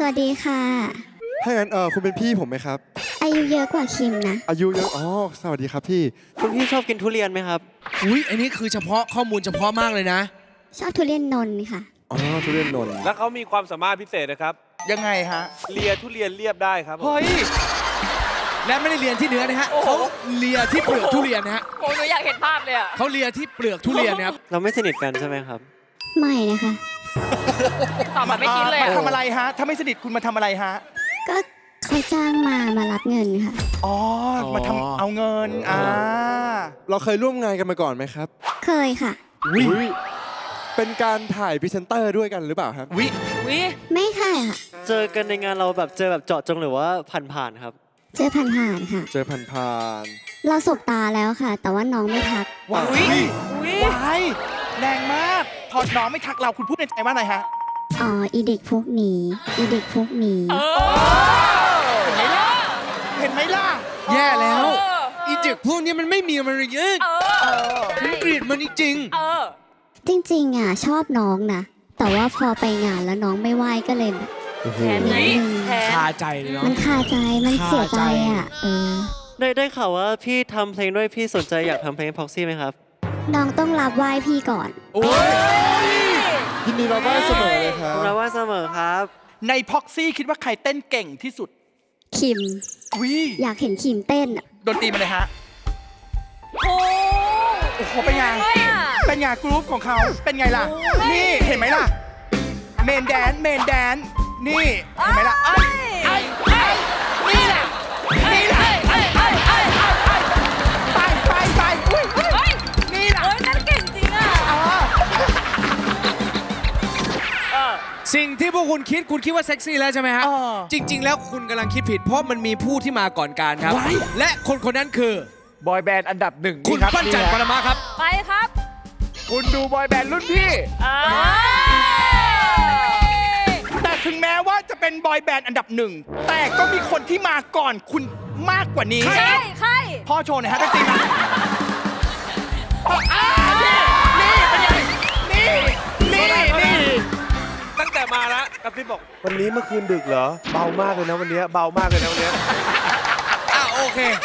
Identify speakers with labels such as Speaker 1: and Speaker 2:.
Speaker 1: วัสดีค่ะ
Speaker 2: ถ้างั้นคุณเป็นพี่ผมไหมครับ
Speaker 1: อายุเยอะกว่าคิมนะ
Speaker 2: อายุเยอะอ๋อสวัสดีครับพี่
Speaker 3: คุณพี่ชอบกินทุเรียนไหมครับ
Speaker 4: อุ้ยอันนี้คือเฉพาะข้อมูลเฉพาะมากเลยนะ
Speaker 1: ชอบทุเรียนนนท์ค่ะ
Speaker 2: อ๋อทุเรียนนนท์
Speaker 5: แล้วเขามีความสามารถพิเศษนะครับ
Speaker 6: ยังไงฮะ
Speaker 5: เลียทุเรียนเรียบได้ครับ
Speaker 6: เฮ้ย
Speaker 4: และไม่ได้เรียนที่เนื้อนะฮะเขาเลียที่เปลือกทุเรียนนะฮะ
Speaker 7: โอ้ยหนูอยากเห็นภาพเลยอ่ะ
Speaker 4: เขาเลียที่เปลือกทุเรียนนะครับ
Speaker 3: เราไม่สนิทกันใช่ไหมครับ
Speaker 1: ไม่นะคะ
Speaker 7: ตอบแบบไม่คิดเลย
Speaker 6: มาทำอะไรฮะถ้าไม่สนิทคุณมาทำอะไรฮะ
Speaker 1: ก็เขาจ้างมารับเงินค่ะ
Speaker 6: อ๋อมาทำเอาเงิน
Speaker 2: เราเคยร่วมงานกันมาก่อนไหมครับ
Speaker 1: เคยค่ะ
Speaker 2: อุ้ยเป็นการถ่ายพรีเซนเตอร์ด้วยกันหรือเปล่าครับ
Speaker 6: วิ
Speaker 1: ไม่ค่ะ
Speaker 3: เจอกันในงานเราแบบเจอแบบเจาะจงหรือว่าผ่านๆครับ
Speaker 1: เจอผ่านๆค่ะ
Speaker 2: เจอผ่าน
Speaker 1: เราสบตาแล้วค่ะ แต่ว่าน้องไม่ทัก
Speaker 6: ว้ายแรงมากพอน้องไม่ทักเราคุณพูดในใจว่าอะไรฮะ
Speaker 1: อ๋ออีเด็กพวกนี้อีเด็กพวกนี้
Speaker 6: เห็นไหมล่ะ
Speaker 4: แย่แล้วอีเด็กพวกนี้มันไม่มีมารยาทมันเกลียดมันจริง
Speaker 1: จริงๆอ่ะชอบน้องนะแต่ว่าพอไปงานแล้วน้องไม่ไหวก็เลยแบบ
Speaker 7: แทนไหมแทน
Speaker 4: คาใจเลยเนาะ
Speaker 1: มันคาใจมันเสียใจอ่ะ
Speaker 3: ได้ข่าวว่าพี่ทำเพลงด้วยพี่สนใจอยากทำเพลงพ็อกซี่ไหมครับ
Speaker 1: น้องต้องรับไหว้พี่ก่อน
Speaker 4: โอ้ย
Speaker 2: ยินดีรับไหว้เสมอเลยครับ
Speaker 3: รับไหว้เสมอครับ
Speaker 6: ในพ็อกซี่คิดว่าใครเต้นเก่งที่สุด
Speaker 1: คิมอยากเห็นคิมเต้น
Speaker 6: ดนตรีมาเลยฮะ
Speaker 7: โอ้
Speaker 6: โหเป็นไงเป็นไงกรุ๊ปของเขาเป็นไงล่ะนี่เห็นไหมล่ะเมนแดนนี่เห็นไหมล่ะนี่แหละนี่แหละไปอุ้ยนี่แหละ
Speaker 7: โอ้ยนั่นเก่งจริงอ่ะ
Speaker 4: สิ่งที่พวกคุณคิดว่าเซ็กซี่แล้วใช่ไหมฮะจริงๆแล้วคุณกำลังคิดผิดเพราะมันมีผู้ที่มาก่อนการครับและคนนั้นคือบ
Speaker 6: อยแบนด์อันดับหนึ่ง
Speaker 4: คุณปั้นจันทร์ปรมาครับ
Speaker 7: ไปครับ
Speaker 6: คุณดูบอยแบนด์รุ่นพี่แต่ถึงแม้ว่าจะเป็นบอยแบนด์อันดับหนึ่งแต่ก็มีคนที่มาก่อนคุณมากกว่านี้
Speaker 7: ใคร
Speaker 6: พ่อโชว์หน่อยฮะตั้งตีมานี่เป็นไงนี่
Speaker 5: ตั้งแต่มาแล้วกับพี่บอก
Speaker 8: วันนี้เมื่อคืนดึกเหรอเบามากเลยนะวันนี้เบามากเลยนะวันนี้
Speaker 4: โอเค